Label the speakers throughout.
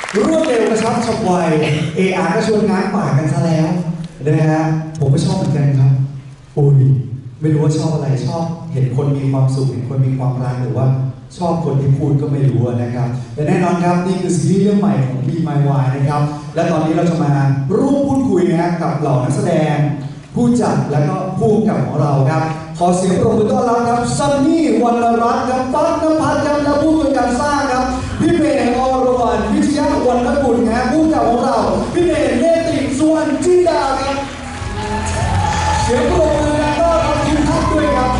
Speaker 1: รวดเร็วกระชับฉับไว AR ก็ชวนง้างปากกันซะแล้วนะฮะผมก็ชอบเหมือนกันครับอุ้ยไม่รู้ว่าชอบอะไรชอบเห็นคนมีความสุขเห็นคนมีความรักหรือว่าชอบคนที่พูดก็ไม่รู้นะครับแต่แน่นอนครับนี่คือซีรีส์เรื่องใหม่ของ Be My Why นะครับและตอนนี้เราจะมาร่วมพูดคุยนะกับเหล่านักแสดงผู้จัดและก็ผู้กำกับของเราครับขอเสียงปรบมือต้อนรับครับซันนี่วรรณรัตน์ครับปั๊กนภัสครับและผู้ช่วยการสร้างครับพี่เมย์อรวรรณวิทยาวรรณกุลครับผู้กำกับของเราพี่เมย์เนติสุวรรณจินดาครับเสียงปรบมือและก็รับทีมทัพด้วยครับ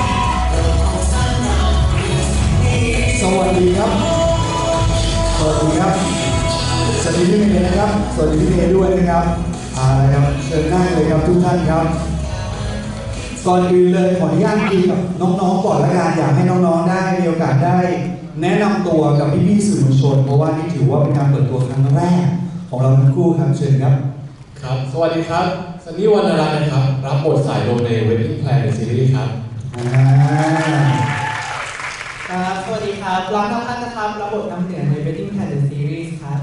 Speaker 1: สวัสดีครับสวัสดีครับสวัสดีพี่เมย์นะครับสวัสดีพี่เมย์ด้วยนะครับอะไรครับเชิญนั่งเลยครับทุกท่านครับก่อนอื่นเลยขออนุญาตคุยกับน้องๆก่อนละกันอยากให้น้องๆได้มีโอกาสได้แนะนำตัวกับพี่ๆสื่อมวลชนเพราะว่านี่ถือว่าเป็นการเปิดตัวครั้งแรกของเราทั้งคู่ครับเชิญครับ
Speaker 2: ครับสวัสดีครับซันนี่วรรณรัตน์นะครับรับบทสายลมใน Wedding Plan ในซีรีส์ครับ
Speaker 3: ครับสวัสดีครับรักน้ำพันนะครับรับบทน้ำเหนือใน Wedding Plan The Series ครับ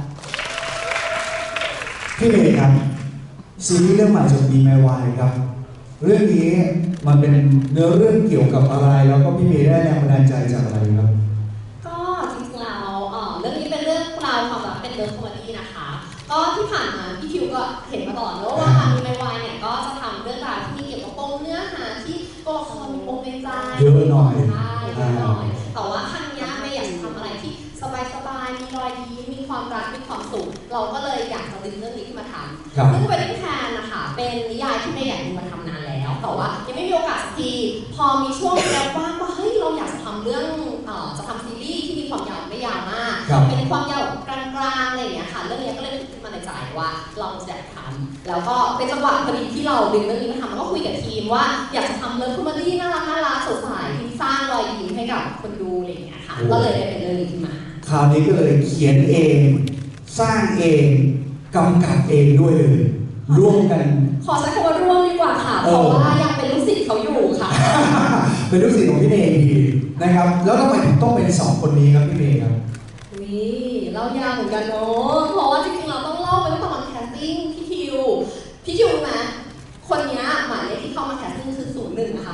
Speaker 1: พี่เมย์ครับซีรีส์เรื่องใหม่จาก Be My Why ครับเรื่องนี้มันเป็นเนื้อเรื่องเกี่ยวกับอะไรแล้วก็พี่เมย์ได้แรงบันดาลใจจากอะไรครับ
Speaker 4: ก็จริงๆแล้วเรื่องนี้เป็นเรื่องราวความรักเป็นเรื่องคอมเมดี้นะคะก็ที่ผ่านมาพี่คิวก็เห็นมาตลอดแล้วว่ามีไมวายเนี่ยก็จะทำเรื่องราวที่เกี่ยวกับปมเนื้อหาที่ตัวละครมีปมในใจ
Speaker 1: เยอะหน่อย
Speaker 4: ใช่เยอะหน่อยแต่ว่าครั้งนี้ไม่อยากจะทำอะไรที่สบายๆมีรอยยิ้มมีความรักมีความสุขเราก็เลยอยากจะดึงเรื่องนี้ขึ้นมาทำซึ่งWedding Planนะคะเป็นนิยายที่ไม่อยากดึงมาทำนานแล้วแต่ว่ายังไม่มีโอกาสสักทีพอมีช่วงแล้วว่างว่าเฮ้ยเราอยากจะทำเรื่องจะทำซีรีส์ที่มีความยาวไม่ยาวมากเป็นความยาวกลางๆอะไรอย่างเงี้ยค่ะเรื่องนี้ก็เลยขึ้นมาในใจว่าเราจะทำแล้วก็เป็นจังหวะพอดีที่เราดึงเรื่องนี้มาทำแล้วก็คุยกับทีมว่าอยากจะทำเรื่องคอมเมดี้น่ารักสดใสที่สร้างรอยยิ้มให้กับคนดูอะไรอย่างเงี้ยค่ะก็เลยได้เป็นเรื่องนี้ขึ้นมา
Speaker 1: คราวนี้ก็เลยเขียนเองสร้างเองกำกับเองด้วยเลยร่วมกัน
Speaker 4: ขอใช้คำว่าร่วมดีกว่าค่ะเพราะว่ายังเป็นลูกศิษย์เขาอยู่ค่ะ
Speaker 1: เป็นลูกศิษย์ของพี่เมย์ดีนะครับแล้วทำไมถึงต้องเป็น2คนนี้ครับพี่เมย์ครับ
Speaker 4: นี่เล่ายาวเหมือนกันเนาะเพราะว่าจริงๆเราต้องเล่าไปตั้งแต่วันแคสติ้งพี่คิวรู้ไหมคนนี้หมายเลขที่เข้ามาแคสติ้งคือ01นะคะ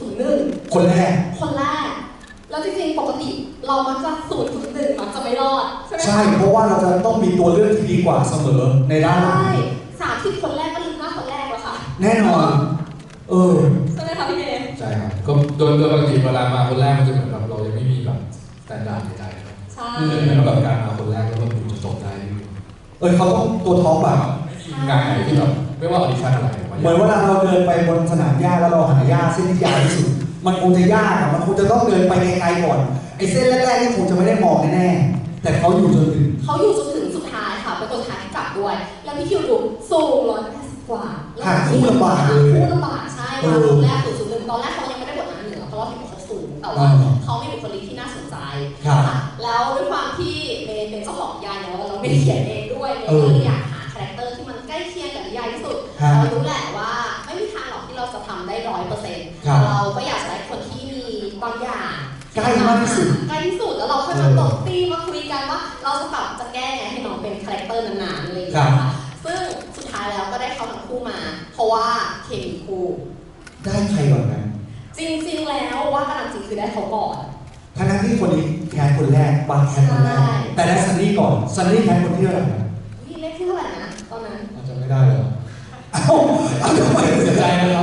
Speaker 4: 001
Speaker 1: คนแรก
Speaker 4: แล้วจริงๆปกติเรามักจะ001มักจะไม่รอดใช่ไหม
Speaker 1: ใช่เพราะว่าเราจะต้องมีตัวเลือกที่ดีกว่าเสมอในด้าน
Speaker 4: ใช่30คนแรกก็ลืมหน้าคนแรกแล้วค่ะ
Speaker 1: แน่นอน
Speaker 4: ใช่ไหมคะพี่เอ
Speaker 2: ใช่ครับก็โดยปกติเวลามาคนแรกมันจะเหมือนแบบเรายังไม่มีแบบสแตนดาร์ดใดๆครับ
Speaker 4: ใช่
Speaker 2: แล้วแบบการมาคนแรกแล้วก็ดูจะจบได้
Speaker 1: เขาต้องตัวท็อปแบบ
Speaker 2: งานไหนที่แบบไม่ว่าออดิชั่นอะไร
Speaker 1: เหมือนเวลาเราเดินไปบนสนามหญ้าแล้วเราหาหญ้าเส้นที่ยาวที่สุดมันคงจะยากอะมันคงจะต้องเดินไปไกลๆก่อนไอ้เส้นแรกๆนี่คงจะไม่ได้มองแน่ๆแต่เขาอยู่จนถึง
Speaker 4: สุดท้ายค่ะเป็นคนท้ายที่จับด้วยแล้วพี่คิวดูสูง180 กว่า
Speaker 1: คู่ลำบากเลย
Speaker 4: ใช่มาตอนแรก001ตอนแรกเขายังไม่ได้บทนั้นเหนือเพราะว่าเห็นว่าเขาสูงแต่ว่าเขามีบุคลิกที่น่าสนใจแล้วด้วยความที่เมย์เป็นเจ้าของนิยายแล้วเราไม่เขียนเองด้วยเมย์ก็เลยอยากหาคาแรคเตอร์ที่มันใกล้เคียงกับนิยายที่สุดเรารู้แหละว่าไม่มีทางหรอกที่เราจะทำได้100%เราก็อยากได้คนที่มีบางอย่าง
Speaker 1: ใกล้มากที่สุด
Speaker 4: แล้วเราค่อยมาตกตีมาคุยกันว่าเราจะแก้ไงให้น้องเป็นคาแรคเตอร์นานๆอะไรอย่างเงี้ยค่ะซึ่งสุดท้ายแล้วก็ได้เขาทั้งคู่มาเพราะว่าเคมีคู่
Speaker 1: ได้ใครก่อนกัน
Speaker 4: จริงๆแล้วว่าตามจริงคือได้เขาก่อน
Speaker 1: ทั้งที่คนนี้แคสคนแรกบางแคสคนแรกแต่ได้ซันนี่ก่อนซันนี่แคสคนที่เท่าไหร่นะ
Speaker 4: เลขที่เท่าไหร่นะตอนนั้น
Speaker 2: อาจจะไม่ได้เลย
Speaker 1: เอาทำไม
Speaker 2: เสียใจนะครับ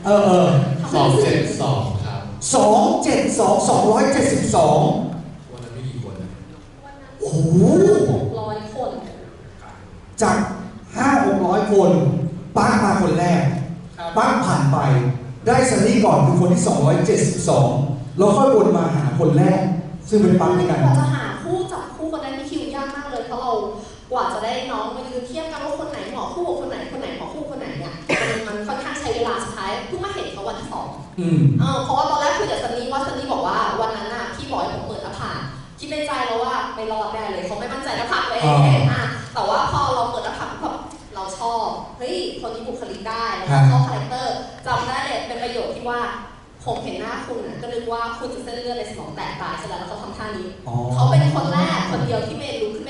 Speaker 2: 272ครับ
Speaker 1: 272วัน
Speaker 2: นั้นไม่กี่คนนะ
Speaker 1: โอ้โห
Speaker 4: 600 คน
Speaker 1: จาก500-600 คนปั๊กมาคนแรกปั๊กผ่านไปได้ซันนี่ก่อนคือคนที่272แล้วค่อยวนมาหาคนแรกซึ่งเป็นปั๊กในการ
Speaker 4: จะหาคู่จับคู่คนนั้นมีคิวยากมากเลยเพราะเรากว่าจะได้น้องมายืนเทียบกันว่าคนไหนเหมาะคู่กับคนไหนเหมาะคู่คนไหนเนี่ยมันค่อนข้างใช้เวลาสุดท้ายเพิ่งมาเห็นเขาวันที่2เพราะว่าตอนแรกคุยกับซันนี่บอกว่าวันนั้นน่ะพี่บอกให้ผมเปิดหน้าผากคิดในใจแล้วว่าไม่รอดแน่เลยเขาไม่มั่นใจหน้าผากเลยแต่ว่าพอเราเปิดหน้าผากแบบเราชอบเฮ้ยคนนี้บุคลิกได้แล้วก็ชอบคาแรคเตอร์จำได้เลยเป็นประโยคที่ว่าผมเห็นหน้าคุณน่ะก็นึกว่าคุณจะเส้นเลือดในสมองแตกตายเสร็จแล้วเขาทำท่านี้เขาเป็นคนแรกคนเดียวที่เมย์ลุกขึ้นไปหาก่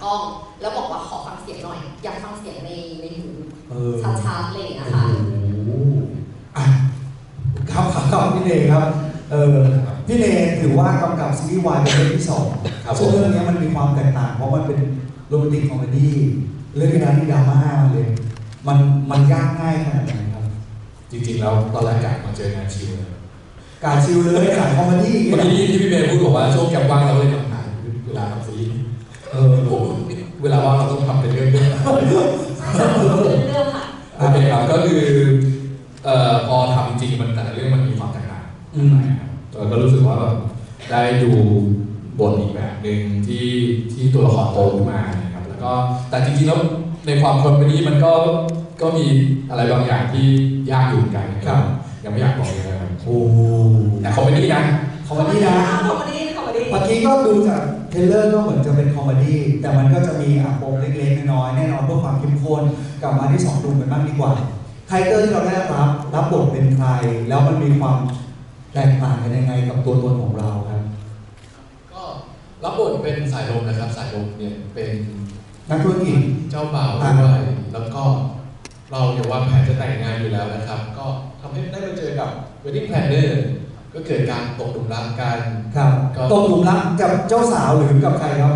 Speaker 4: กล้อง แล้วบอกว่าขอฟังเสียงหน่อย อยากฟังเสียงในหู ชัดๆอะไรอย่างเงี้ยค่ะ
Speaker 1: อ่ะครับพี่เนครับพี่เนถือว่ากำกับซีรีส์วายเป็นเรื่องที่สองซึ่งเรื่องนี้มันมีความแตกต่างเพราะมันเป็นโรแมนติกคอมเมดี้เรื่องนี้นะที่ดราม่าเลยมันยากง่ายขนาดไหนครับ
Speaker 2: จริงๆแล้วตอนแรกกะมาเจองานชิลเลย
Speaker 1: การชิลเลยสายคอมเมดี้
Speaker 2: เมื่อกี้ที่พี่เมย์พูดบอกว่าช่วงแกมว่างเราเลยทำงานเวลาทำซีรีส์เวลาว่างเราต้องทำเป็นเรื่องๆ
Speaker 4: เรื่องค่ะ
Speaker 2: โอเคครับก็คือพอทำจริงมันแต่ละเรื่องมันมีความแตกต่างนะครับก็รู้สึกว่าแบบได้ดูบทอีกแบบหนึ่งที่ตัวละครโตขึ้นมานะครับแล้วก็แต่จริงๆแล้วในความคอมเมดี้มันก็มีอะไรบางอย่างที่ยากอยู่เหมือนกันนะครับยังไม่อยากบอกเลยนะครับ
Speaker 1: โอ้
Speaker 2: แต่คอมเมดี้นะ
Speaker 1: คอมเมดี้นะ
Speaker 4: คอมเมดี้คอมเมดี้
Speaker 1: เมื่อกี้ก็ดูจากเทรลเลอร์ก็เหมือนจะเป็นคอมเมดี้แต่มันก็จะมีปมเล็กๆน้อยๆแน่นอนเพื่อความเข้มข้นกลับมาที่สองหนุ่มกันบ้างดีกว่าไทเกอร์ที่เราได้รับบทเป็นใครแล้วมันมีความแตกต่างกันยังไงกับตัวตนของเราครับ
Speaker 2: ก็รับบทเป็นสายลมนะครับสายลมเนี่ยเป็น
Speaker 1: นักธุรกิจ
Speaker 2: เจ้าบ่าวด้วยแล้วก็เราเนี่ยวางแผนจะแต่งงานอยู่แล้วนะครับก็ทำให้ได้มาเจอกับ wedding planner ก็เกิดการตกหลุมรักกัน
Speaker 1: ครับตกหลุมรักกับเจ้าสาวหรือกับใครครับ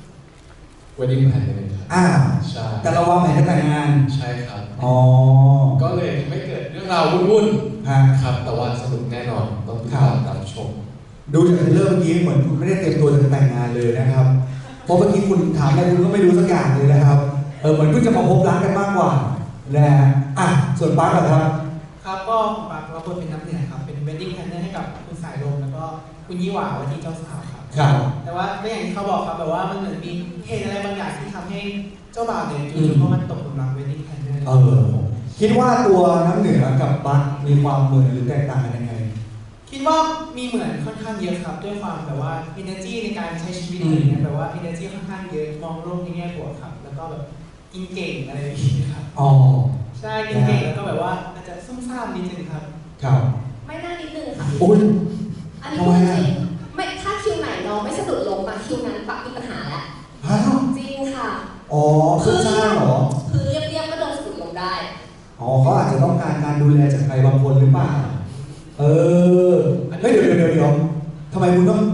Speaker 2: wedding planner ครับใช่
Speaker 1: แต่เราวางแผนจะแต่งงาน
Speaker 2: ใช่ครับ
Speaker 1: อ๋อ
Speaker 2: ก็เลยไม่เกิดเรื่องราววุ่น
Speaker 1: ฮะ
Speaker 2: ๆครับแต่ว่าสนุกแน่นอนต้องติดตามรับชม
Speaker 1: ดูจากเทรลเลอร์เมื่อกี้เหมือนคุณไม่ได้เตรียมตัวจะแต่งงานเลยนะครับเพราะเมื่อกี้คุณถามอะไรคุณก็ไม่รู้สักอย่างเลยนะครับเหมือนเพิ่งจะมาพบรักกันมากกว่านะฮะส่วนปาร์คเหรอครับ
Speaker 3: ครับก็ผมปักรับบทเป็นน้ำเหนือครับเป็น wedding planner ให้กับคุณสายลมแล้วก็คุณยี่หว่าว่าที่เจ้าสาวครับ
Speaker 1: ครับ
Speaker 3: แต่ว่าก็อย่างที่เขาบอกครับแบบว่ามันเหมือนมีเหตุอะไรบางอย่างที่ทำให้เจ้าบ่าวเนี่ยจู่ๆก็มันตกหลุมรัก wedding planner
Speaker 1: คิดว่าตัวน้ำเหนือกับปาร์คมีความเหมือนหรือแตกต่างกันยังไง
Speaker 3: คิดว่ามีเหมือนค่อนข้างเยอะครับด้วยความแบบว่า energy ในการใช้ชีวิตอะไรเงี้ยแบบว่า energy ค่อนข้างเยอะมองโลกในแง่บวกครับแล้วก็แบบกินเก่งอะไรอย่างเงี้ยครับ
Speaker 1: อ๋อ
Speaker 3: ใช่กินเก่งแล้วก็แบบว่าอาจจะซุ่มซ่ามนิดนึงครับ
Speaker 1: ครับ
Speaker 4: ไม่น่านิดนึงค่ะ
Speaker 1: อุ้ย
Speaker 4: อันนี้พูดจริงไม่ถ้าคิวไหนน้องไม่สะดุดล้มมาคิวนั้นปักมีปัญหาแล้ว
Speaker 1: ฮะ
Speaker 4: จริงค่ะ
Speaker 1: อ๋อคือสร้างเหรอ
Speaker 4: คือเรียบๆก็เดินสะดุดล้มได้
Speaker 1: อ๋อเขาอาจจะต้องการการดูแลจากใครบางคนหรือเปล่าเฮ้ยเดี๋ยวทำไมคุณต้อง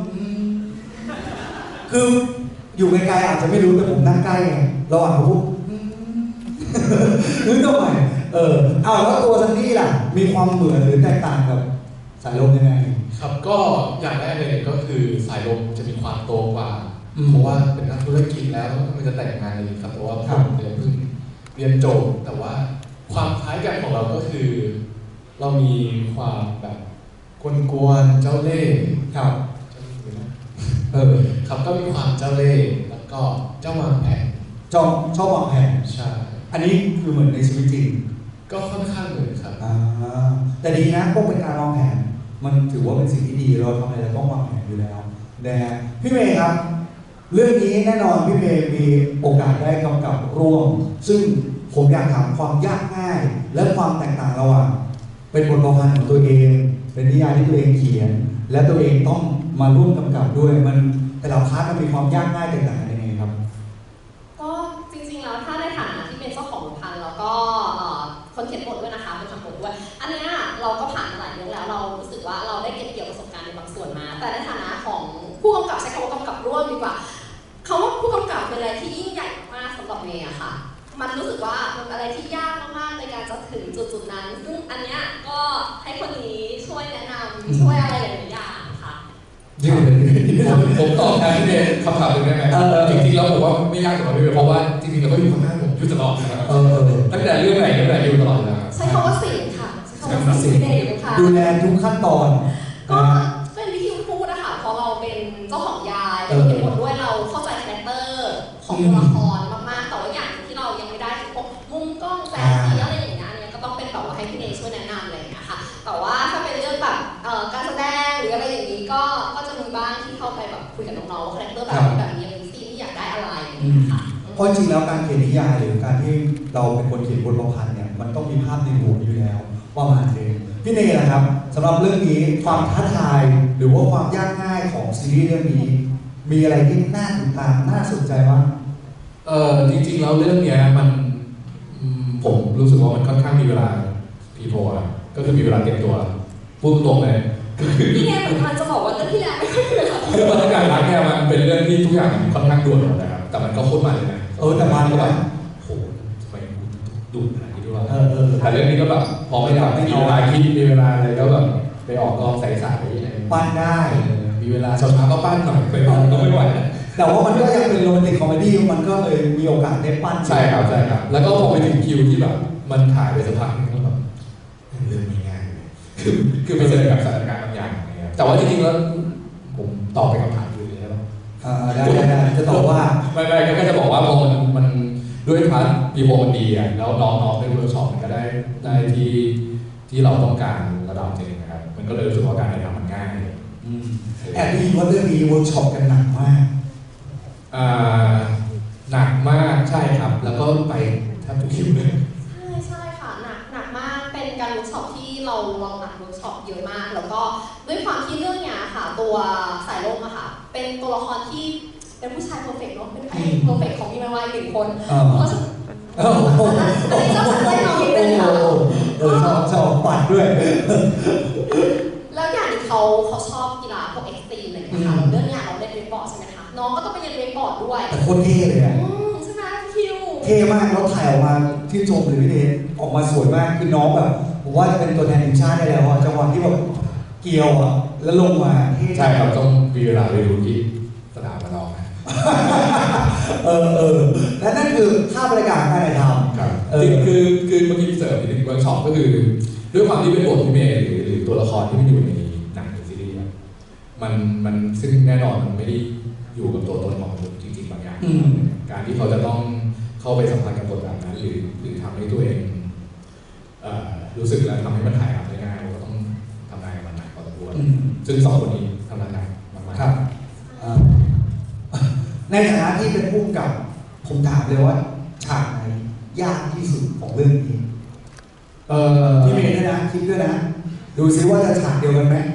Speaker 1: คืออยู่ไกลๆอาจจะไม่รู้แต่ผมนั่งใกล้ไงระหว่างเขาพูดนึกทำไมเอาแล้วตัวซันนี่ล่ะมีความเหมือนหรือแตกต่างกับสายลมยังไง
Speaker 2: ครับก็อย่างแรกเลยก็คือสายลมจะมีความโตกว่าเพราะว่าเป็นนักธุรกิจแล้วมันจะแต่งงานเลยครับเพราะว่าผมเนี่ยเพิ่งเรียนจบแต่ว่าความคล้ายกันของเราก็คือ เรามีความแบบกวนๆเจ้าเล่ห์ครับครับก็มีความเจ้าเล่ห์แล้วก็เจ้าวางแผน
Speaker 1: ชอบวางแผน
Speaker 2: ใช่
Speaker 1: อันนี้คือเหมือนในชีวิตจริง
Speaker 2: ก็ค่อนข้างเหมือนครับ
Speaker 1: แต่ดีนะพวกเป็นการวางแผนมันถือว่าเป็นสิ่งที่ดีเราทำอะไรเราต้องวางแผนอยู่แล้วนะฮะพี่เมย์ครับเรื่องนี้แน่นอนพี่เมย์มีโอกาสได้กำกับร่วมซึ่งผมอยากถามความยากง่ายและความแตกต่างระหว่างเป็นบทประพันธ์ของตัวเองเป็นนิยายที่ตัวเองเขียน และตัวเองต้องมาร่วมกำกับด้วยมันแต่ละพาร์ทมันมีความยากง่ายแตกต่างกันยังไงครับ
Speaker 4: ก็จริงๆแล้วถ้าในฐานะที่เป็นเจ้าของบทพันธ์แล้วก็คนเขียนบทด้วยนะคะเป็นทำบทด้วยอันเนี้ยเราก็ผ่านมาหลายเรื่องแล้วเรารู้สึกว่าเราได้เก็บเกี่ยวประสบการณ์ในบางส่วนมา แต่ในฐานะของผู้กำกับใช้คำว่ากำกับร่วมดีกว่าคำว่าผู้กำกับเป็นอะไรที่ยิ่งใหญ่มากสำหรับเมย์อะค่ะมันรู้สึกว่ามันอะไรที่ยากมากๆในการจะถึงจุดๆนั้นซึ่งอันเนี้ยก็ให้คนนี้ช่วยแนะนำช่วยอะไรหลายๆอย่างค่ะ
Speaker 2: ผมตอบแทนพี่เมย์คำถามหนึ่งได้ไหมจริงๆแล้วผมว่าไม่ยากสำหรับพี่เมย์เพราะว่าจริงๆเราก็อยู่ข้างหน้าผมอยู่ตลอดนะครับตั้งแต่เรื่องไหนอยู่ตลอดเลยครับ
Speaker 4: ใช้คำว่าสิ่งค่ะใช้คำว่าสิ่งค่ะ
Speaker 1: ดูแลทุกขั้นตอน
Speaker 4: ก็เป็นที่คิวพูดนะคะเพราะเราเป็นเจ้าของยายเราเขียนบทด้วยเราเข้าใจคาแรคเตอร์ของตัวละครมากๆแต่ว่าอย่างที่เรายังไม่ได้คือพวกมุมกล้องแสงสีอะไรอย่างเงี้ยเนี่ยก็ต้องเป็นแบบว่าให้พี่เนยช่วยแนะนำอะไรอย่างเงี้ยค่ะแต่ว่าถ้าเป็นเรื่องแบบการแสดงหรืออะไรอย่างนี้ก็จะมีบ้างที่เข้าไปแบบคุยกับน้องๆว่าคาแรคเตอร์แบบนี้มีซีนที่อยากได้อะไรอย่างเงี้ยค่ะ
Speaker 1: เพราะจริงแล้วการเขียนนิยายหรือการที่เราเป็นคนเขียนบทประพันธ์เนี่ยมันต้องมีภาพในหัวอยู่แล้วว่ามาเองพี่เนยนะครับสำหรับเรื่องนี้ความท้าทายหรือว่าความยากง่ายของซีรีส์เรื่องนี้มีอะไรที่น่าติดตามน่าสนใจบ้าง
Speaker 2: จริงๆแล้วเรื่องเนี้ยมันผมรู้สึกว่ามันค่อนข้างมีเวลาพีโพอะก็คือมีเวลาเตรียมตัวพูดตรงๆเลย
Speaker 4: พี่แง่เหมือนกันจะบอกว่าเรื่องที่แล้วไม่ค่อยมีเวลา
Speaker 2: คือบรรยากาศรักเนี่ยมันเป็นเรื่องที่ทุกอย่างมันค่อนข้างด่วนหมดนะครับแต่มันก็โคตรมันเลยนะ
Speaker 1: แต่มันก็แบบ
Speaker 2: โหทำไมดุขนาดนี้ด้วยวะ
Speaker 1: เออ
Speaker 2: แต่เรื่องนี้ก็แบบพอไม่ทำมีเวลาคิดมีเวลาอะไรก็แบบไปออกกองใสๆอะไร
Speaker 1: ปั้นได้
Speaker 2: มีเวลาเช้าๆก็ปั้นหน่อยไปปั้นก็ไม่ไหว
Speaker 1: แต่ว่ามันก็ยังเป็นโรแมนติกคอมเมดี้มันก็เลยมีโอกาสได้ปั้น
Speaker 2: ใช่ครับแล้วก็พอไปถึงคิวที่แบบมันถ่ายไปสักพักนึงก็แบบเรื่องไม่ง่ายเลยคือไปเจอกับสถานการณ์บางอย่างอะไรเงี้ยแต่ว่าจริงๆแล้วผมตอบไปคำถามอื่นเลยใช่ไหม
Speaker 1: ได้จะตอบว่า
Speaker 2: ไม่ก็จะบอกว่าพอมันด้วยพาร์ทพีโพมันดีอ่ะแล้วน้องๆในเวิร์กช็อปมันก็ได้ที่เราต้องการระดับหนึ่งนะครับมันก็เลยรู้สึกว่าการถ่ายทำมันง่าย
Speaker 1: แอบได้ยินว่าเรื่องนี้เวิร์กช็อปกันหนักมาก
Speaker 2: หนักมากใช่ครับ แล้วก็ไปแทบทุกคิวเลย
Speaker 4: ใช่ค่ะหนักมากเป็นการเวิร์กช็อปที่เราลองหนักเวิร์กช็อปเยอะมากแล้วก็ด้วยความที่เรื่องเนี้ยค่ะตัวสายลมอะค่ะเป็นตัวละครที่เป็นผู้ชายเพอร์เฟกต์เนาะเป็นพระเอกเพอร์เฟกต์ของพี่แม่วายหนึ่งคนเพราะฉะนั้นอันนี้ก็จะได้น้องนิดนึงค่ะ
Speaker 1: ชอบปัดด้วย
Speaker 4: แล้วอย่างที่เขาชอบกีฬาพวกเอ็กซ์ตรีมอะไรอย่างเงี้ยค่ะเรื่องเนี้ยเราเล่นเวกบอร์ดใช่ไหมคะน้องก็ต้องไปเรียนเวกบอร์ดด้วย
Speaker 1: แต่โคตรเท่เลยอะ
Speaker 4: ใช่ไหมคิว
Speaker 1: เท่มากแล้วถ่ายออกมาที่ชมหรือพี่เดชออกมาสวยมากคือน้องแบบผมว่าจะเป็นตัวแทนทีมชาติได้แล้วอะจังหวะที่แบบเกี่ยวอะแล้วลงมาเท่
Speaker 2: ใช่ครับต้องมีเวลาไปดูที่สนามมาลองนะ
Speaker 1: และนั่นคือภาพบรรยากาศการถ่ายทำ
Speaker 2: ครับคือเมื่อกี้พี่เสริมอีกหนึ่งเวิร์กช็อปก็คือด้วยความที่เป็นบทพี่เมย์หรือตัวละครที่มันอยู่ในหนังหรือซีรีส์มันซึ่งแน่นอนมันไม่ได้อยู่กับตัวตนของมนุษย์จริงๆบางอย่างการที่เขาจะต้องเข้าไปสัมผัสกับบทแบบนั้นหรือทำให้ตัวเองรู้สึกและทำให้มันถ่ายทำได้ง่ายเราก็ต้องทำงานกับมันหนักพอสมควรซึ่งสองคนนี้ทำงานหนักมากๆ
Speaker 1: ครับในฐานะที่เป็นผู้กำกับผมถามเลยว่าฉากไหนยากที่สุดของเรื่องนี้พี่เมย์ด้วยนะคิดด้วยนะดูซิว่าจะฉากเดียวกันไหม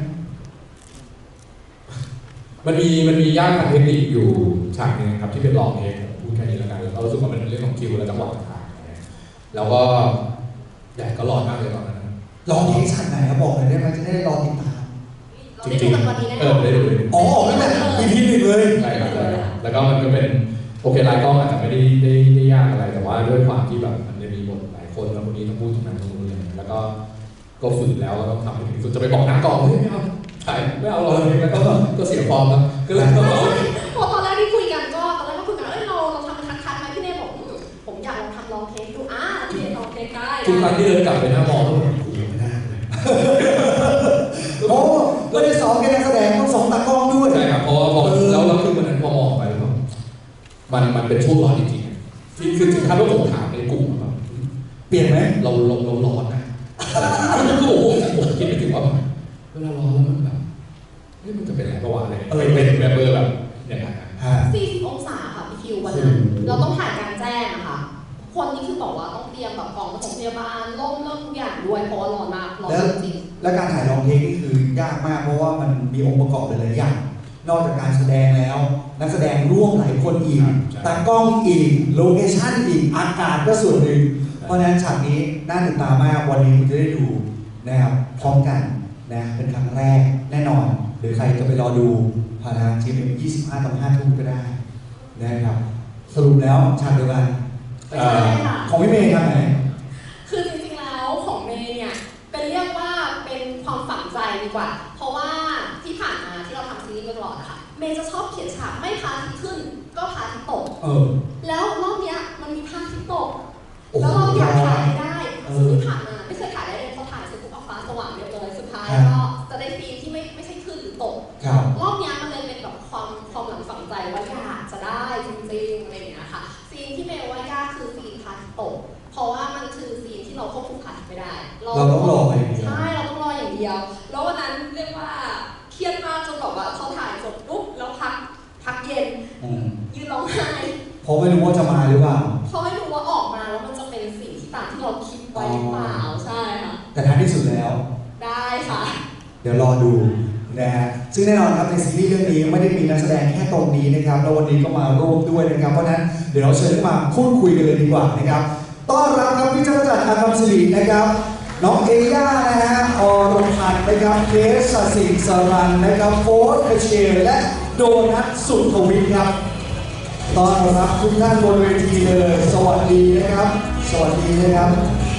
Speaker 2: มันมียากทางเทคนิคอยู่ฉากนึงครับที่เป็นลองเองพูดแค่นี้แล้วกันแล้วเรารู้สึกว่ามันเป็นเรื่องของคิวและจังหวะต่างๆแล้วก็แดดก็ร้อนมากเลยตอนนั้น
Speaker 1: ลองเทคฉากไหนครับบอกเลยได้ไหมจะได้รอติดตาม
Speaker 4: จริงๆวันนี้แน่นอน
Speaker 2: ได้ดูเลย
Speaker 1: นั่นแหละEP หนึ่งเลย
Speaker 2: ใช่ครับแล้วก็มันก็เป็นโอเคลายกล้องอาจจะไม่ได้ยากอะไรแต่ว่าด้วยความที่แบบมันจะมีบทหลายคนแล้วคนนี้ต้องพูดตรงนั้นตรงนี้แล้วก็ฝืนแล้วต้องทำให้ถึงสุดจะไปบอกนักกองไม่เอาถ่ายไม่เอาเลยแล้วก็เสียฟอร์มแล้วก็เลย
Speaker 4: พอตอนแรกที่คุยกันก็ตอนแรกก็คุยกันเราทำคัดไหมพี่เน่บอกผมอยากลองทำลองเทสดูพี่เน่ลองเทสได้
Speaker 2: ทุกครั้งที่เดินกลับไปหน้ามองแล้วผมไม่ได้เลย
Speaker 1: โอ้ไม่ได้สอนแค่นักแสดงต้องสอนตากล้องด้วย
Speaker 2: ใช่ครับเพราะว่าแล้วคือวันนั้นพอมองไปแล้วมันเป็นช่วงร้อนจริงๆที่คือถึงขั้นว่าผมถามในกลุ่มแบบ
Speaker 1: เปลี่ยนไหม
Speaker 2: เราร้อนนะคือผมคิดไม่ถึงว่าเวลาร้อนแล้วมันแบบมันจะเป็นอะไรประวัติอะไรเป็นแบบแบบอย่างนั้น
Speaker 4: 40 องศาค่ะพี่คิววันนั้นเราต้องถ่ายกลางแจ้งนะคะคนนี้คือบอกว่าต้องเตรียมแบบกล่องปฐมพยาบาลร่มทุกอย่างด้วยเพราะว่าร้อนมากร้อนจริง
Speaker 1: และการถ่ายลองเทคนี่คือยากมากเพราะว่ามันมีองค์ประกอบหลายอย่างนอกจากการแสดงแล้วนักแสดงร่วมหลายคนอีกตากล้องอีกโลเคชั่นอีกอากาศก็ส่วนหนึ่งเพราะฉะนั้นฉากนี้น่าติดตามมากวันนี้คุณจะได้ดูนะครับพร้อมกันนะเป็นครั้งแรกแน่นอนหรือใครจะไปรอดูผ่านทางทีม25 ต่อ 5 ทุ่มก็ได้นะครับสรุปแล้วฉากเดียวกันของพี่เมย์ครับไหน
Speaker 4: คือจริงๆแล้วของเมย์เนี่ยเป็นเรียกว่าเป็นความฝังใจดีกว่าเพราะว่าที่ผ่านมาที่เราทำซีรีส์มาตลอดนะคะเมย์จะชอบเขียนฉากไม่พาทิตย์ขึ้นก็พาทิตย์ตกแล้วรอบนี้มันมีพาทิตย์ตกแล้วเราอยากถ่ายได้ซึ่งที่ผ่านมาไม่เคยถ่ายได้เลยพอถ่ายเสร็จปุ๊บฟ้าสว่างเรียบร้อยสุดท้ายก็จะได้ซีนที่ไม่ใช่ขึ้นหรือตกรอบนี้มันเลยเป็นแบบความหลังฝังใจว่าอยากจะได้จริงๆอะไรอย่างเงี้ยค่ะซีนที่เมย์ว่ายากคือซีนพาทิตย์ตกเพราะว่ามันคือซีนที่เราควบคุมพาทิตย์ไม่ได้
Speaker 1: เราต้องรออย่างเดียว
Speaker 4: ใช่เราต้องรออย่างเดียวแล้ววันนั้นเรียกว่าเครียดมากจนแบบว่าเขาถ่ายจบปุ๊บแล้วพักเย็นยืนร้องไห้
Speaker 1: เพราะไม่รู้ว่าจะมาหรือเปล่า
Speaker 4: เพราะไม่รู้ว่าออกมาแล้วมันจะเป็นสิ่งที่ตามที่เราคิดไว้หรือเปล่าใช่ค่ะ
Speaker 1: แต่ท้ายที่สุดแล้ว
Speaker 4: ได้ค่ะ
Speaker 1: เดี๋ยวรอดูนะฮะซึ่งแน่นอนครับในซีรีส์เรื่องนี้ไม่ได้มีนักแสดงแค่ตรงนี้นะครับแล้ววันนี้ก็มาร่วมด้วยนะครับเพราะฉะนั้นเดี๋ยวเราเชิญมาพูดคุยกันเลยดีกว่านะครับต้อนรับครับพี่จักรจันทร์อาคัมศิรินะครับน้องเอย่านะฮะอรพันธ์นะครับเคสสศิสรันนะครับโฟร์คเชลและโดนัทสุทวิทย์ครับต้อนรับทุกท่านบนเวทีเลยสวัสดีนะครับสวัสดีนะครับ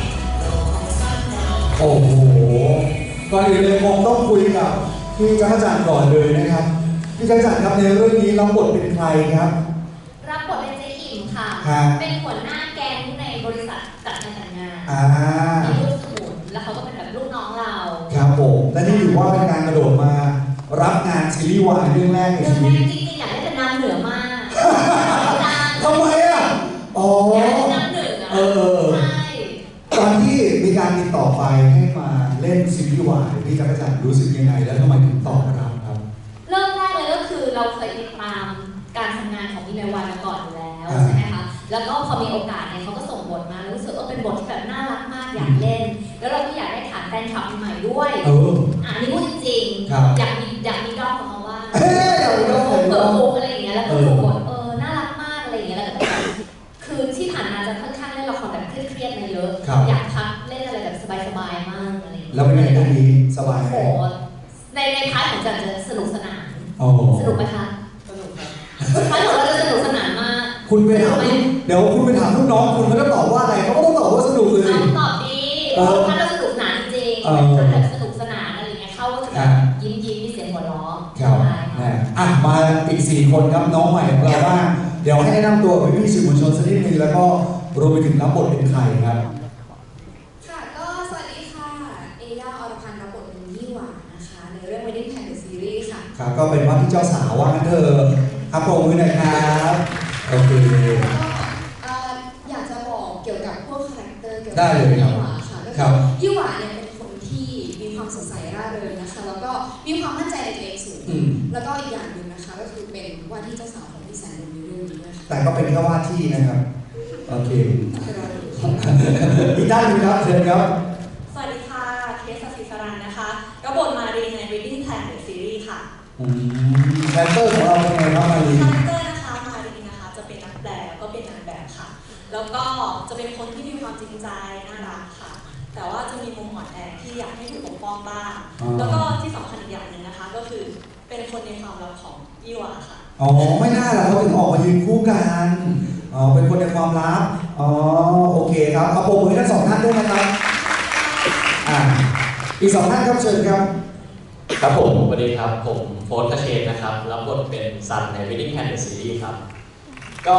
Speaker 1: โอ้โหก่อนอื่นเลยคงต้องคุยกับพี่จักรจันทร์ก่อนเลยนะครับพี่จักรจันทร์ครับในเรื่องนี้รับบทเป็นใครครับ
Speaker 4: รับบทเป็นเจ๊อิ่มค่ะ
Speaker 1: ครับ
Speaker 4: เป็นหัวหน้าแก๊งในบริษัทจัดงานแต่งงาน มีลูกสมุนแล้วเขาก็เป็นแบบลูกน้องเรา
Speaker 1: ครับผมและนี่ถือว่าเป็นการกระโดดมารับงานซีรีส์วายเรื่องแรกใน
Speaker 4: เรื่อง
Speaker 1: ชี
Speaker 4: แร
Speaker 1: วิต
Speaker 4: กจริงๆอยากได้เป็นนางเหนือมาก
Speaker 1: ทำไมอ่ะอ๋อ
Speaker 4: อยากได้เป็นนางเหนือ
Speaker 1: เออ
Speaker 4: ใช่
Speaker 1: ตอนที่มีการติดต่อไปให้มาเล่นซีรีส์วายพี่จักรจันทร์รู้สึกยังไงแล้วทำไมถึงตอบรับครับ
Speaker 4: เริ่มแรกเลยก็คือเราเคยติดตามการทำงานของพี่แมววันมาก่อนอยู่แล้ว
Speaker 1: อ่า
Speaker 4: ใช่ไหมคะ แล้วก็พอมีโอกาสเนี่ยเขาก็ส่งบทมาแล้วรู้สึกว่าเป็นบทที่แบบน่ารักมากอยากเล่น แล้วเราก็อยากได้ฐานแฟนคลับใหม่ด้วย อันนี้พูดจริง
Speaker 1: ครับ
Speaker 4: อยากมีด้อมของเขาว่า
Speaker 1: เฮ้ยอยากมีด้อม
Speaker 4: เปิดโปงอะไรอย่างเงี้ยแล้วก็ถูกบทน่ารักมากอะไรอย่างเงี้ยแล้วก็แบบคือที่ผ่านมาจะค่อนข้างเล่นละครแบบเครียดๆมาเยอะ
Speaker 1: ครับ
Speaker 4: อยากพักเล่นอะไรแบบสบายๆมากอะไรอย่างเงี้ย
Speaker 1: แล้วเป็นไงเรื่องนี้สบายไหม
Speaker 4: โอ้โหในพาร์ทของจันจะสนุกสนาน
Speaker 1: โอ้
Speaker 4: สนุกไหมคะ
Speaker 3: สนุกครับ
Speaker 4: พาร์ทของเราจะสนุกสนานมาก
Speaker 1: คุณไปถามเดี๋ยวคุณไปถามลูกน้องคุณเขาจะตอบว่าอะไรเขาก็ต้องตอบว่าสนุกเลย
Speaker 4: เอาตอบดีพาร์ทเราสนุกสนานจริงๆเป็นพาร์ทแบบสนุกสนานอะไรอย่างเงี้ยเข้าก็จะแบบยิ้มมีเสียงหัวเราะ
Speaker 1: ครับ
Speaker 4: ใช่
Speaker 1: นะอ่ะมาอีก4คนครับน้องใหม่ของเราบ้างเดี๋ยวให้แนะนำตัวกับพี่ๆสื่อมวลชนสักนิดนึงแล้วก็รวมไปถึงรับบทเป็นใครครับ
Speaker 5: ค่ะก็สวัสดีค่ะ เอย่าอรพันธ์รับบทเป็นยี่หวานะคะ ในเรื่อง Wedding Plan The Series ค่ะ
Speaker 1: ครับก็เป็นว่าที่เจ้าสาวว่างั้นเถอะครับปรบมือหน่อยครับโอเค
Speaker 5: แล้วก็อยากจะบอกเกี่ยวกับพวกคาแรคเตอร์เกี่ยวกั
Speaker 1: ได้เลยครับ
Speaker 5: ยี่หวาค่ะก็
Speaker 1: ครั
Speaker 5: คื
Speaker 1: บ
Speaker 5: อยี่หวาเนี่ยเป็นคนที่มีความสดใสร่าเริงนะคะ แล้วก็มีความมั่นใจในตัวเองสูง
Speaker 1: อืม
Speaker 5: แล้วก็อีกอย่างหนึ่งนะคะก็คือเป็นว่าที่เจ้าสาวของพี่แสนในเรื่องนี้ด้วยค่ะ
Speaker 1: แต่ก็เป็นแค่ว่าที่นะครับโอเค
Speaker 5: คือเราดูค่ะ
Speaker 1: อีกด้านหนึงครับเชิญครับ
Speaker 6: สวัสดีค่ะ เคสศิสรันนะคะรับบทมารีใน Wedding Plan The Series ค่ะ
Speaker 1: แรปเตอร์ของเราเป็นไงครับมารี
Speaker 6: คาแรคเตอร์นะคะมารีนะคะจะเป็นนักแปลแล้วก็เป็นนางแบบค่ะ แล้วก็จะเป็นคนที่มีความจริงใจน่ารักค่ะ แต่ว่าจะมีมุมอ่อนแอที่อยากให้ถูกปกป้องบ้าง แล้วก็ที่สำคัญอีกอย่างหนึ่งนะคะ ก็คือเป็นคนในความลับของยี่หวาค่ะ
Speaker 1: อ๋อไม่น่าล่ะเขาถึงออกมายืนคู่กันอ๋อเป็นคนในความลับอ๋อโอเคครับเอาปรบมือให้ทั้งสองท่านด้วยนะครับอ่าอีกสองท่านครับเชิญครับ
Speaker 7: ครับผมสวัสดีครับ ผมโฟร์คเชนนะครับ รับบทเป็นซันใน Wedding Plan The Series ครับ ก็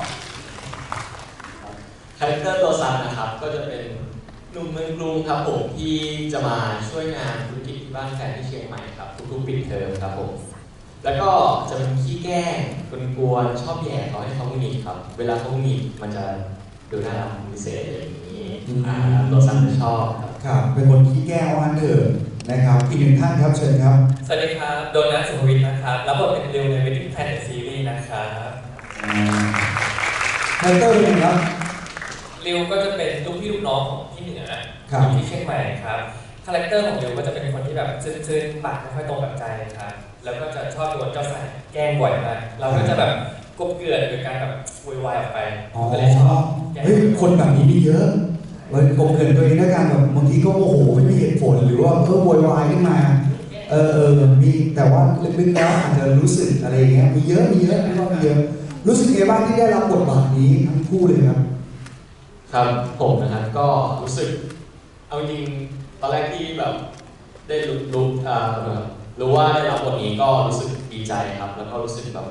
Speaker 7: คาแรคเตอร์ตัวซันนะครับ ก็จะเป็นหนุ่มเมืองกรุงครับผมที่จะมาช่วยงานธุรกิจที่บ้านแฟนที่เชียงใหม่ครับทุกๆปิดเทอมครับผม แล้วก็จะเป็นขี้แกล้งกวนๆชอบแย่เขาให้เขาหงุดหงิดครับ เวลาเขาหงุดหงิดมันจะดูน่ารักพิเศษอะไรอย่างนี้ตัวซันจะชอบครับ
Speaker 1: ครับเป็นคนขี้แก้วอันเดิมนะครับอีกหนึ่งท่านครับเชิญครับ
Speaker 8: สวัสดีครับ โดนัทสุภวิทย์นะครับ รับบทเป็นริวใน Wedding Plan The Series นะครับ
Speaker 1: คาแรคเตอร์เป็นไงครับ
Speaker 8: ริวก็จะเป็นลูกพี่ลูกน้องของพี่เหนือ
Speaker 1: ครับ
Speaker 8: อยู่ที่เชียงใหม่ครับ คาแรคเตอร์ของริวก็จะเป็นคนที่แบบซื่อๆปากไม่ค่อยตรงกับใจครับ แล้วก็จะชอบโดนเจ้าสายแกล้งบ่อยมาก เราก็จะแบบกบเกลื่อนโดยการแบบโวยวายออกไป
Speaker 1: อ๋อ
Speaker 8: ก็เลยชอบแกล้ง
Speaker 1: เฮ้ยคนแบบนี้มีเยอะเลยกลมเกลื่อนตัวเองด้วยกันแบบบางทีก็โมโหไม่มีเหตุผลหรือว่าโวยวายขึ้นมามีแต่ว่าลึกๆแล้วอาจจะรู้สึกอะไรอย่างเงี้ยมีเยอะไม่ว่ามีเยอะรู้สึกไงบ้างที่ได้รับบทบาทนี้ทั้งคู่เลยครับ
Speaker 7: ครับผมนะครับก็รู้สึกเอาจริงตอนแรกที่แบบได้รู้ว่าได้รับบทนี้ก็รู้สึกดีใจครับ แล้วก็รู้สึกแบบ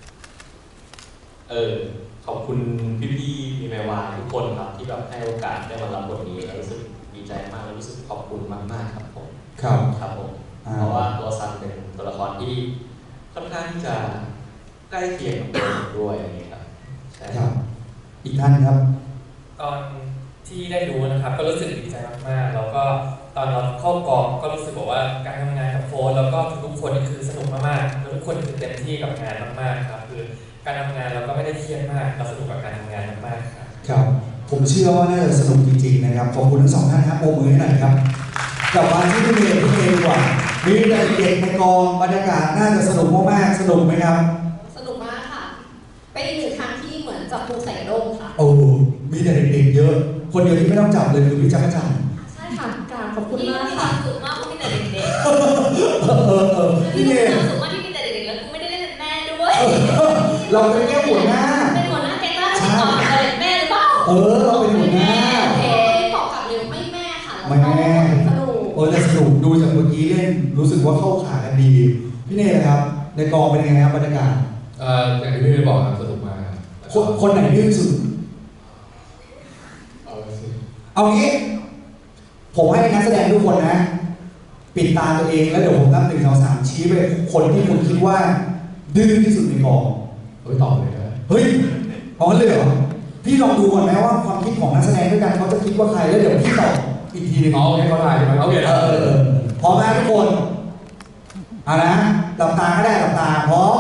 Speaker 7: ขอบคุณพี่ๆมีแมวาทุกคนครับที่แบบให้โอกาสได้มารับบทนี้แล้วรู้สึกดีใจมากแล้วรู้สึกขอบคุณมากๆครับผม
Speaker 1: ครับ
Speaker 7: ครับผมเพราะว่าตัวซันเป็นตัวละครที่ค่อนข้างที่จะใกล้เคียงกับตัวผมด้วยอย่างนี้ครับใช่
Speaker 1: ครับ อีกท่านครับ
Speaker 8: ตอนที่ได้รู้นะครับก็รู้สึกดีใจมากๆ แล้วก็ตอนเราเข้ากองก็รู้สึกบอกว่าการทำงานกับโฟนแล้วก็ทุกๆคนนี่คือสนุกมากๆแล้วทุกคนคือเต็มที่กับงานมากๆครับคือการทำงานเราก็ไม่ได้เครียดมากเราสนุกกับการทำงานมากๆครับ
Speaker 1: ครับ ผมเชื่อว่าน่าจะสนุกจริงๆนะครับขอบคุณทั้งสองท่านครับโบมือให้หน่อยครับกลับมาที่พี่เมย์ดีกว่ามีแต่เด็กในกองบรรยากาศน่าจะสนุกมากๆสนุกไหมครับ
Speaker 4: สนุกมากค่ะ เป็นอีกหนึ่งครั้งที่เหมือนจับปูใส่ร่มค่ะ
Speaker 1: โอ้มีแต่เด็กๆเยอะ คนเดียวที่ไม่ต้องจับเลยคือพี่จักรจันทร์
Speaker 4: ใช่ค่ะกราบขอบคุณ
Speaker 6: พี่
Speaker 4: มาก
Speaker 6: มีค
Speaker 4: ค่ะ
Speaker 6: วามสุขมากเพราะมีแต่เด็ก
Speaker 1: พี่
Speaker 6: ๆ
Speaker 1: เม
Speaker 6: มี
Speaker 1: ย์
Speaker 6: ความสุขมากที่มีแต่เด็กๆแล้วกูไม่ได้เล่นเป็นแม่ด้วย
Speaker 1: เราเป็นแค่หัวหน้า
Speaker 6: เป็นหัวหน้าแก๊งล่าสุดต่อเลยแม่หรือเปล่า
Speaker 1: เราเป็นหัวหน้า
Speaker 4: โอเคตอบกลับเร็วไม่แม่ค่ะแล้ว
Speaker 1: ไม่
Speaker 4: ก็
Speaker 1: แม่
Speaker 4: สนุก
Speaker 1: แต่สนุกดูจากเมื่อกี้เล่นรู้สึกว่าเข้าขากันดี พี่เน่นะครับ ในกองเป็นยังไงครับบรรยากาศ
Speaker 2: อย่างที่พี่ได้บอกครับสนุกมากครับ
Speaker 1: คนไหนดื้อสุด
Speaker 2: เอาสิ
Speaker 1: เอางี้ ผมให้นักแสดงทุกคนนะ ปิดตาตัวเองแล้วเดี๋ยวผมนับ1 2 3ชี้ไปคนที่คุณคิดว่า ดื้อที่สุดในกอง
Speaker 2: ตอบเลยนะ
Speaker 1: เฮ้ยเอางั้นเลยเหรอพี่ลองดูก่อนไหมว่าความคิดของนักแสดงด้วยกันเขาจะคิดว่าใครแล้วเดี๋ยวพี่ตอบอีกทีหนึง
Speaker 2: ให้เขาถ่ายใช่ไหมโอเค
Speaker 1: พร้อมไหมทุกคนเอานะหลับตาก็ได้หลับตาพร้อม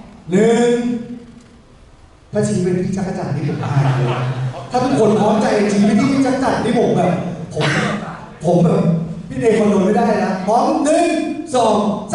Speaker 1: 1ถ้าชี้เป็นพี่จักรจันทร์นี่ผมอายเลยถ้าทุกคนพร้อมใจชี้ไปที่พี่จักรจันทร์นี่ผมแบบผมแบบพี่เดย์คอนโดไม่ได้นะพร้อม1 2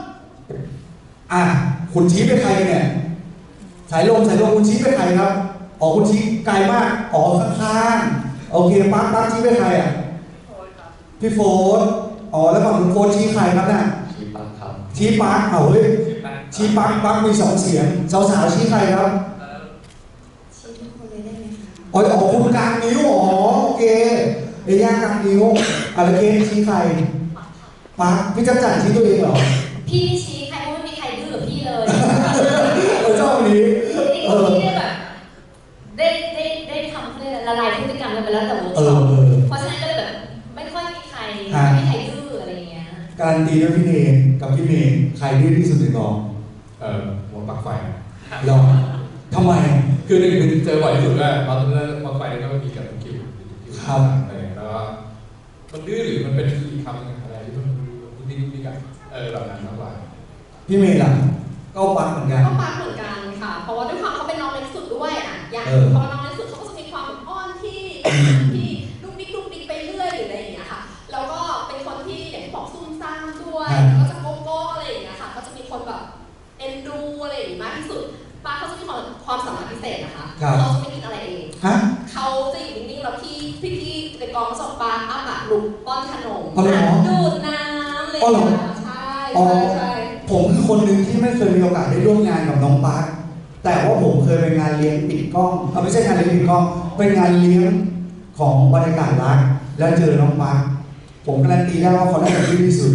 Speaker 1: 3คุณชี้ไปใครเนี่ยสายลมคุณชี้ไปใครครับคุณชี้ไกลมากข้างๆโอเคปั๊กชี้ไปใครพี่โฟนแล้วฝั่งคุณโฟนชี้ใครครับน่ะ
Speaker 7: ชี้ปังครับ
Speaker 1: ชี้ปั๊กเฮ้ยชี้ปั๊กมี2 เสียงสาวๆชี้ใครครับ
Speaker 5: ชี้ทุกคนเลยได้ไหมคะ
Speaker 1: คุณกลางนิ้วโอเคย่ากลางนิ้วอะไรเกนชี้ใครปั๊กพี่จักรจันทร์ชี้ตัวเองเหรอ
Speaker 4: พี่ไม่ชี้ใครเพราะไม่มีใครดื้อกับพี่เลย
Speaker 1: ชอบนี้
Speaker 4: พี่ได้แบบได้ทำเขาเรียกอะไรละลายพฤติกรรมกันไปแล้วแต่เวิร์กช็อปเพราะฉะนั้นก็เลยแบบไม่ค่อยมีใครดื้ออะไรอย่างเงี้ย
Speaker 1: การันตีด้วยพี่เนกับพี่เมย์ใครดื้อที่สุดในกอง
Speaker 2: หัวปลั๊กไฟ
Speaker 1: เราทำไม
Speaker 2: คือหนึ่งคือเจอบ่อยที่สุดด้วยตอนนั้นปลั๊กไฟก็ไม่มีกับคิวอะไรแล้วมันดื้อหรือมันเป็นอีกคำหนึ่งอะไรที่มันดิ้นมีกันแบบนั้นมากกว่า
Speaker 1: พี่เมย์ล่ะก็ปั๊กเหมือนกัน
Speaker 4: ก็ปังเหมือนกันค่ะ เพราะว่าด้วยความเขาเป็นน้องเล็กสุดด้วยอย่างพอน้องเล็กสุดเขาก็จะมีความอ้อนที่ลุกดิ๊กไปเรื่อยหรืออะไรอย่างเงี้ยค่ะ แล้วก็เป็นคนที่อย่างที่บอกซุ่มซ่ามด้วยก็จะโก้อะไรอย่างเงี้ยค่ะ ก็จะมีคนแบบเอ็นดูอะไรอย่างงี้มากที่สุดป้าเขาจะมีความสามารถพิเศษนะคะเขาจะไม่กินอะไรเองเขาจะอยู่นิ่งๆแล้วพี่ในกองสอบปลาอ้าปากลุกป้อนขนมดูดน้ำเลยใช่
Speaker 1: ผมคือคนหนึ่งที่ไม่เคยมีโอกาสได้ร่วมงานกับน้องปั๊กแต่ว่าผมเคยไปงานเลี้ยงปิดกล้องไม่ใช่งานเลี้ยงปิดกล้องเป็นงานเลี้ยงของบรรยากาศรักแล้วเจอน้องปั๊กผมการันตีได้ว่าเขาได้แบบที่สุด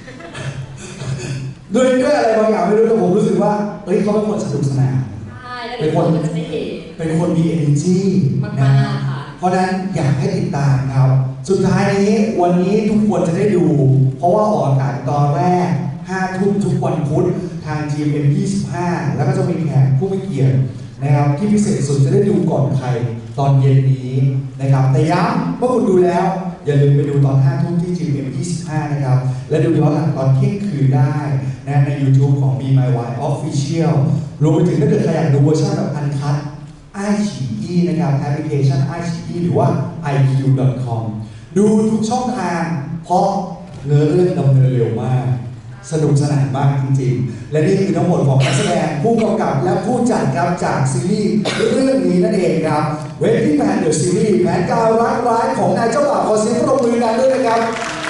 Speaker 1: ด้วยอะไรบางอย่างไม่รู้แต่ผมรู้สึกว่าเขาเป็นคนสนุกสนานเป็นคนมี energy นะเพราะนั้นอยากให้ติดตามครับสุดท้ายนี้วันนี้ทุกคนจะได้ดูเพราะว่าออกอากาศตอนแรก5 ทุ่มทุกวันพุธทาง GMM 25แล้วก็จะมีแขกผู้มีเกียรตินะครับที่พิเศษสุดจะได้ดูก่อนใครตอนเย็นนี้นะครับแต่ย้ำว่าคุณดูแล้วอย่าลืมไปดูตอน5 ทุ่มที่ GMM 25นะครับและดูย้อนหลังตอนเที่ยงคืนได้นะใน YouTube ของ Be My Why Official รวมไปถึงถ้าเกิดใครอยากดูเวอร์ชันแบบอันคัทiQIYI นะครับแอปพลิเคชัน iQIYI หรือว่า iq.com ดูทุกช่องทางเพราะเนื้อเรื่องดำเนินเร็วมากสนุกสนานมากจริงๆและนี่คือทั้งหมดของนักแสดงผู้กำกับและผู้จัดครับจากซีรีส์เรื่องนี้นั่นเองครับ Wedding Plan The Series แผนการรักร้ายของนายเจ้าบ่าวขอเสียงปรบมือดังด้วยนะครับ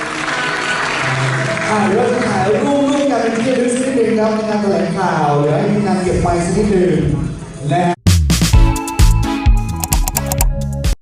Speaker 1: เดี๋ยวเราจะถ่ายรูปกันเป็นที่ระลึกสักนิดนึงครับในงานแถลงข่าวเดี๋ยวให้ทีมงานเก็บไปสักนิดนึงและ